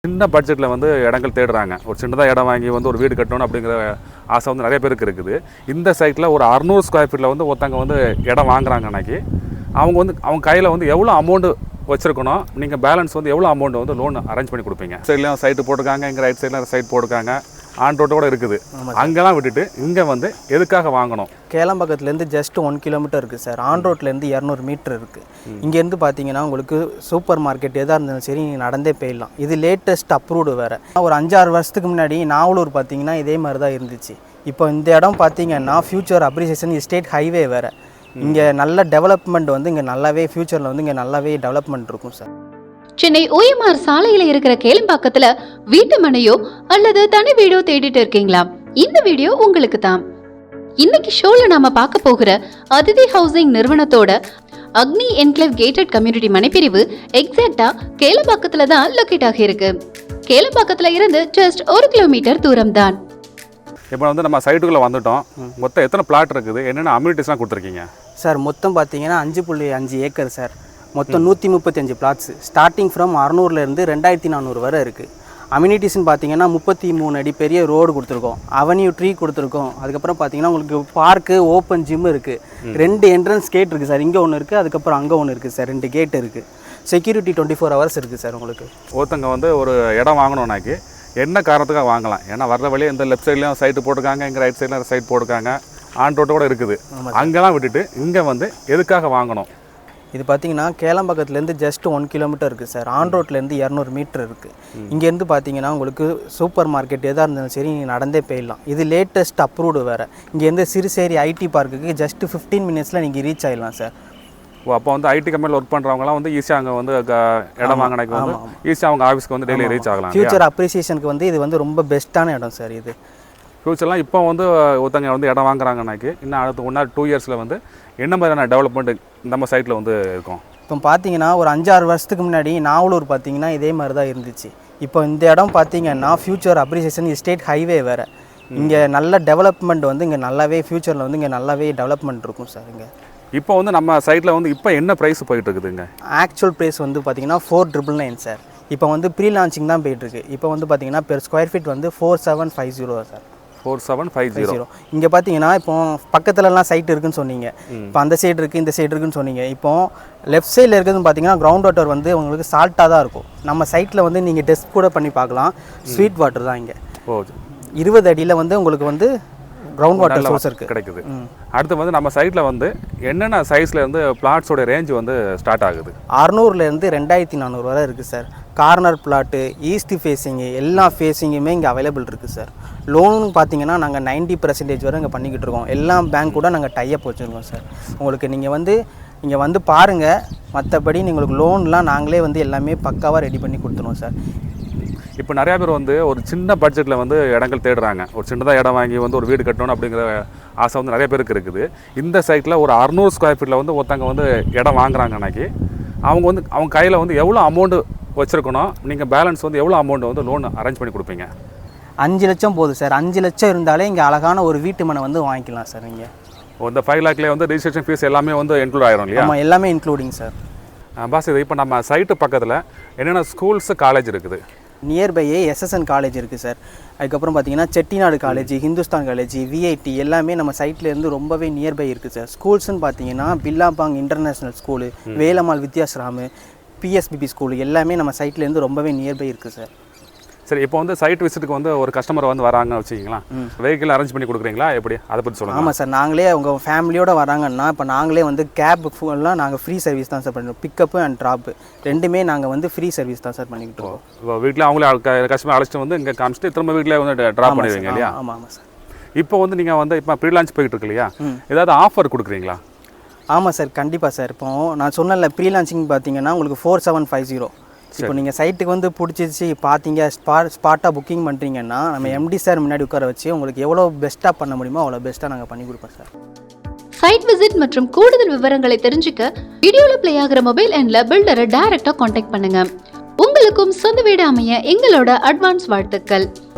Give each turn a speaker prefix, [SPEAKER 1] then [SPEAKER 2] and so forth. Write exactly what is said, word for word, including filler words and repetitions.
[SPEAKER 1] சின்ன பட்ஜெட்டில் வந்து இடங்கள் தேடுறாங்க. ஒரு சின்னதாக இடம் வாங்கி வந்து ஒரு வீடு கட்டணும் அப்படிங்கிற ஆசை வந்து நிறைய பேருக்கு இருக்குது. இந்த சைட்டில் ஒரு அறுநூறு ஸ்கொயர் ஃபீட்டில் வந்து ஒருத்தங்க வந்து இடம் வாங்குறாங்க. அன்றைக்கி அவங்க வந்து அவங்க கையில் வந்து எவ்வளோ அமௌண்ட்டு வச்சுருக்கணும், நீங்கள் பேலன்ஸ் வந்து எவ்வளோ அமௌண்ட் வந்து லோன் அரேஞ்ச் பண்ணி கொடுப்பீங்க? சைட்லேயும் சைட்டு போட்டுருக்காங்க, இங்கே ரைட் சைடில் சைட் போட்டுருக்காங்க, ஆன் ரோட்டு கூட இருக்குது. அங்கெல்லாம் விட்டுட்டு இங்கே வந்து எதுக்காக வாங்கணும்?
[SPEAKER 2] கேளம்பாக்கத்துலேருந்து ஜஸ்ட் ஒன் கிலோமீட்டர் இருக்குது சார். ஆன் ரோட்லேருந்து இரநூறு மீட்டர் இருக்குது. இங்கேருந்து பார்த்தீங்கன்னா உங்களுக்கு சூப்பர் மார்க்கெட் எதாக இருந்தாலும் சரி நீங்கள் நடந்தே போயிடலாம். இது லேட்டஸ்ட் அப்ரூவ்டு வேறு. ஒரு அஞ்சாறு வருஷத்துக்கு முன்னாடி நாவலூர் பார்த்தீங்கன்னா இதே மாதிரி தான் இருந்துச்சு. இப்போ இந்த இடம் பார்த்தீங்கன்னா ஃபியூச்சர் அப்ரிசியேஷன் ஸ்டேட் ஹைவே வேறு. இங்கே நல்ல டெவலப்மெண்ட் வந்து இங்கே நல்லாவே ஃபியூச்சரில் வந்து இங்கே நல்லாவே டெவலப்மெண்ட் இருக்கும் சார்.
[SPEAKER 3] சென்னை ஓஎம்ஆர் சாலையில இருக்கிற கேளம்பாக்கத்துல வீட்டு மனையோ அல்லது தனி வீடோ தேடிட்டு இருக்கீங்களா? இந்த வீடியோ உங்களுக்கு தான். இன்னைக்கு ஷோல நாம பார்க்க போகிற அதிதி ஹவுசிங் நிறுவனத்தோட அக்னி என்க்ளேவ் கேட்டட் கம்யூனிட்டி மனைப்பிரிவு எக்ஸாக்டா கேளம்பாக்கத்துல தான் லொகேட் ஆகி இருக்கு. கேளம்பாக்கத்துல இருந்து ஜஸ்ட் ஒரு கிலோமீட்டர் தூரம் தான்.
[SPEAKER 1] இப்போ வந்து நம்ம சைட்டுக்குள்ளே வந்துட்டோம். மொத்தம் எத்தனை பிளாட் இருக்குது, என்னென்ன அம்யூனிட்டிஸ்லாம் கொடுத்துருக்கீங்க
[SPEAKER 2] சார்? மொத்தம் பார்த்தீங்கன்னா அஞ்சு புள்ளி அஞ்சு ஏக்கர் சார். மொத்தம் நூற்றி முப்பத்தஞ்சு பிளாட்ஸ் ஸ்டார்டிங் ஃப்ரம் அறுநூறுலேருந்து ரெண்டாயிரத்தி நானூறு வரை இருக்குது. அம்யூனிட்டிஸ்ன்னு பார்த்தீங்கன்னா முப்பத்தி மூணு அடி பெரிய ரோடு கொடுத்துருக்கோம், அவென்யூ ட்ரீ கொடுத்துருக்கோம். அதுக்கப்புறம் பார்த்தீங்கன்னா உங்களுக்கு பார்க்கு, ஓப்பன் ஜிம் இருக்குது, ரெண்டு என்ட்ரன்ஸ் கேட் இருக்குது சார். இங்கே ஒன்று இருக்குது, அதுக்கப்புறம் அங்கே ஒன்று இருக்குது சார். ரெண்டு கேட் இருக்குது. செக்யூரிட்டி டுவெண்ட்டி ஃபோர் ஹவர்ஸ் இருக்குது சார். உங்களுக்கு
[SPEAKER 1] ஒருத்தங்க வந்து ஒரு இடம் வாங்கணுன்னாக்கி என்ன காரணத்துக்காக வாங்கலாம்? ஏன்னா வர்ற வழியே இந்த லெஃப்ட் சைட்லேயும் சைட்டு போட்டுருக்காங்க, இங்கே ரைட் சைடில் சைட் போட்டுருக்காங்க, ஆன் ரோட்டு கூட இருக்குது. அங்கெல்லாம் விட்டுட்டு இங்கே வந்து எதுக்காக வாங்கணும்?
[SPEAKER 2] இது பார்த்தீங்கன்னா கேளம்பாக்கத்துலேருந்து ஜஸ்ட் ஒன் கிலோமீட்டர் இருக்குது சார். ஆன் ரோட்லேருந்து இரநூறு மீட்டர் இருக்குது. இங்கேருந்து பார்த்தீங்கன்னா உங்களுக்கு சூப்பர் மார்க்கெட் எதாக இருந்தாலும் சரி நீங்கள் நடந்தே போயிடலாம். இது லேட்டஸ்ட் அப்ரூவ்டு வேறு. இங்கேருந்து சிறுசேரி ஐடி பார்க்குக்கு ஜஸ்ட் ஃபிஃப்டீன் மினிட்ஸில் நீங்கள் ரீச் ஆகிடலாம் சார்.
[SPEAKER 1] ஓ, அப்போ வந்து ஐடி கம்பெனியில் ஒர்க் பண்ணுறவங்களாம் வந்து ஈஸியாக அங்கே வந்து இடம் வாங்கினாக்கு வந்து ஈஸியாக அவங்க ஆஃபீஸ்க்கு வந்து டெய்லி ரீச் ஆகலாம்.
[SPEAKER 2] ஃபியூச்சர் அப்ரிசியேஷனுக்கு வந்து இது வந்து ரொம்ப பெஸ்ட்டான இடம் சார். இது
[SPEAKER 1] ஃபியூச்சர்லாம் இப்போ வந்து ஒருத்தங்க வந்து இடம் வாங்குறாங்கனாக்கி இன்னும் அடுத்த ஒன் ஆர் டூ இயர்ஸில் வந்து என்ன மாதிரியான டெவலப்மெண்ட் நம்ம சைட்டில் வந்து இருக்கும்?
[SPEAKER 2] இப்போ பார்த்தீங்கன்னா ஒரு அஞ்சாறு வருஷத்துக்கு முன்னாடி நாவலூர் பார்த்தீங்கன்னா இதே மாதிரி தான் இருந்துச்சு. இப்போ இந்த இடம் பார்த்தீங்கன்னா ஃபியூச்சர் அப்ரிசியேஷன் ஸ்டேட் ஹைவே வேறு. இங்கே நல்ல டெவலப்மெண்ட் வந்து இங்கே நல்லாவே ஃபியூச்சரில் வந்து இங்கே நல்லாவே டெவலப்மெண்ட் இருக்கும் சார். இங்கே
[SPEAKER 1] இப்போ வந்து நம்ம சைட்டில் வந்து இப்போ என்ன ப்ரைஸ் போயிட்டு இருக்குதுங்க?
[SPEAKER 2] ஆக்சுவல் ப்ரைஸ் வந்து பார்த்தீங்கன்னா ஃபோர் ட்ரிபிள் நைன் சார். இப்போ வந்து ப்ரீ லான்ச்சிங் தான் போயிட்டுருக்கு. இப்போ வந்து பார்த்தீங்கன்னா பெர் ஸ்கொயர் ஃபீட் வந்து four seven five zero sir.
[SPEAKER 1] Four seven five zero.
[SPEAKER 2] இங்கே பார்த்தீங்கன்னா இப்போ பக்கத்துலலாம் சைட் இருக்குன்னு சொன்னீங்க. இப்போ அந்த சைடு இருக்குது, இந்த சைடு இருக்குன்னு சொன்னீங்க. இப்போ லெஃப்ட் சைடில் இருக்கிறதுன்னு பார்த்தீங்கன்னா கிரவுண்ட் வாட்டர் வந்து உங்களுக்கு சால்ட்டாக தான் இருக்கும். நம்ம சைட்டில் வந்து நீங்கள் டெஸ்ட் கூட பண்ணி பார்க்கலாம். ஸ்வீட் வாட்டர் தான் இங்கே. ஓ, இருபது அடியில் வந்து உங்களுக்கு வந்து கிரவுண்ட் வாட்டர் சோர்ஸ் இருக்குது, கிடைக்குது.
[SPEAKER 1] அடுத்து வந்து நம்ம சைட்டில் வந்து என்னென்ன சைஸில் இருந்து பிளாட்ஸோட ரேஞ்ச் வந்து ஸ்டார்ட் ஆகுது?
[SPEAKER 2] அறுநூறுலேருந்து ரெண்டாயிரத்தி நானூறு வரை இருக்குது sir. Corner plot, east facing, எல்லா ஃபேஸிங்குமே இங்கே அவைலபிள் இருக்குது சார். லோனுன்னு பார்த்தீங்கன்னா நாங்கள் நைன்ட்டி பர்சன்டேஜ் வரை இங்கே பண்ணிக்கிட்டு இருக்கோம். எல்லா பேங்க் கூட நாங்கள் டைப் வச்சுருக்கோம் சார். உங்களுக்கு நீங்கள் வந்து இங்கே வந்து பாருங்கள். மற்றபடி உங்களுக்கு லோன்லாம் நாங்களே வந்து எல்லாமே பக்காவாக ரெடி பண்ணி கொடுத்துருவோம் சார்.
[SPEAKER 1] இப்போ நிறையா பேர் வந்து ஒரு சின்ன பட்ஜெட்டில் வந்து இடங்கள் தேடுறாங்க. ஒரு சின்னதாக இடம் வாங்கி வந்து ஒரு வீடு கட்டணும் அப்படிங்கிற ஆசை வந்து நிறைய பேருக்கு இருக்குது. இந்த சைட்டில் ஒரு அறுநூறு ஸ்கொயர் ஃபீட்டில் வந்து ஒருத்தங்க வந்து இடம் வாங்குறாங்க. அன்றைக்கி அவங்க வந்து அவங்க கையில் வந்து எவ்வளோ அமௌண்ட்டு வச்சுருக்கணும், நீங்கள் பேலன்ஸ் வந்து எவ்வளோ அமௌண்ட் வந்து லோன் அரேஞ்ச் பண்ணி கொடுப்பீங்க?
[SPEAKER 2] அஞ்சு லட்சம் போதும் சார். அஞ்சு லட்சம் இருந்தாலே இங்கே அழகான ஒரு வீட்டு மனை வந்து வாங்கிக்கலாம் சார். நீங்கள்
[SPEAKER 1] இந்த ஃபைவ் லேக்லேயே வந்து ரிஜிஸ்ட்ரேஷன் ஃபீஸ் எல்லாமே வந்து இன்க்ளூட் ஆகிரும் இல்லையா?
[SPEAKER 2] ஆமாம், எல்லாமே இன்க்ளூடிங் சார்.
[SPEAKER 1] பாஸ், இது இப்போ நம்ம சைட்டு பக்கத்தில் என்னென்ன ஸ்கூல்ஸு காலேஜ் இருக்குது?
[SPEAKER 2] நியர்பையே எஸ்எஸ்என் காலேஜ் இருக்குது சார். அதுக்கப்புறம் பார்த்தீங்கன்னா Chettinad college, Hindustan college, VIT எல்லாமே நம்ம சைட்லேருந்து ரொம்பவே நியர்பை இருக்குது சார். ஸ்கூல்ஸ்ன்னு பார்த்தீங்கன்னா Billabong international school, Velammal Vidyashram, PSBB school எல்லாமே நம்ம சைட்லேருந்து ரொம்பவே நியர்பை இருக்குது சார்.
[SPEAKER 1] சரி, இப்போ வந்து சைட் விசிட்டுக்கு வந்து ஒரு கஸ்டமர் வந்து வராங்க வச்சுக்கிங்களா, வெஹிக்கிள் அரேஞ்ச் பண்ணி கொடுக்குறீங்களா எப்படி, அதை பற்றி சொல்லுங்கள்.
[SPEAKER 2] ஆமாம் சார், நாங்களே அவங்க ஃபேமிலியோடு வராங்கன்னா இப்போ நாங்களே வந்து கேப் ஃபுல்லாம் நாங்கள் ஃப்ரீ சர்வீஸ் தான் சார் பண்ணுறோம். பிக்கப்பு அண்ட் ட்ராப்பு ரெண்டுமே நாங்கள் வந்து ஃப்ரீ சர்வீஸ் தான் சார் பண்ணிக்கிட்டு இருக்கோம்.
[SPEAKER 1] இப்போ வீட்டில் அவங்களே கஸ்டமர் அழைச்சிட்டு வந்து இங்கே காமிச்சிட்டு திரும்ப வீட்டில் வந்து ட்ராப் பண்ணிடுவீங்க இல்லையா?
[SPEAKER 2] ஆமாம் ஆமாம் சார்.
[SPEAKER 1] இப்போ வந்து நீங்கள் வந்து இப்போ ப்ரீ லான்ச் போயிட்டு இருக்கு இல்லையா, ஏதாவது ஆஃபர் கொடுக்குறீங்களா?
[SPEAKER 2] ஆமாம் சார், கண்டிப்பாக சார். இப்போ நான் சொன்னல ப்ரீ லான்ச்சிங் பார்த்தீங்கன்னா உங்களுக்கு ஃபோர் செவன் ஃபைவ் ஜீரோ. இப்போ நீங்கள் சைட்டுக்கு வந்து பிடிச்சிச்சு பார்த்தீங்க, ஸ்பா ஸ்பாட்டாக புக்கிங் பண்ணுறீங்கன்னா நம்ம எம்டி சார் முன்னாடி உட்கார வச்சு உங்களுக்கு எவ்வளோ பெஸ்ட்டாக பண்ண முடியுமோ அவ்வளோ பெஸ்ட்டாக நாங்கள் பண்ணி கொடுப்போம் சார்.
[SPEAKER 3] சைட் விசிட் மற்றும் கூடுதல் விவரங்களை தெரிஞ்சுக்க வீடியோவில் ப்ளே ஆகிற மொபைல் எண்ணில் பில்டரை டைரக்டாக காண்டாக்ட் பண்ணுங்க. உங்களுக்கும் சொந்த வீடு அமைய எங்களோட அட்வான்ஸ் வாழ்த்துக்கள்.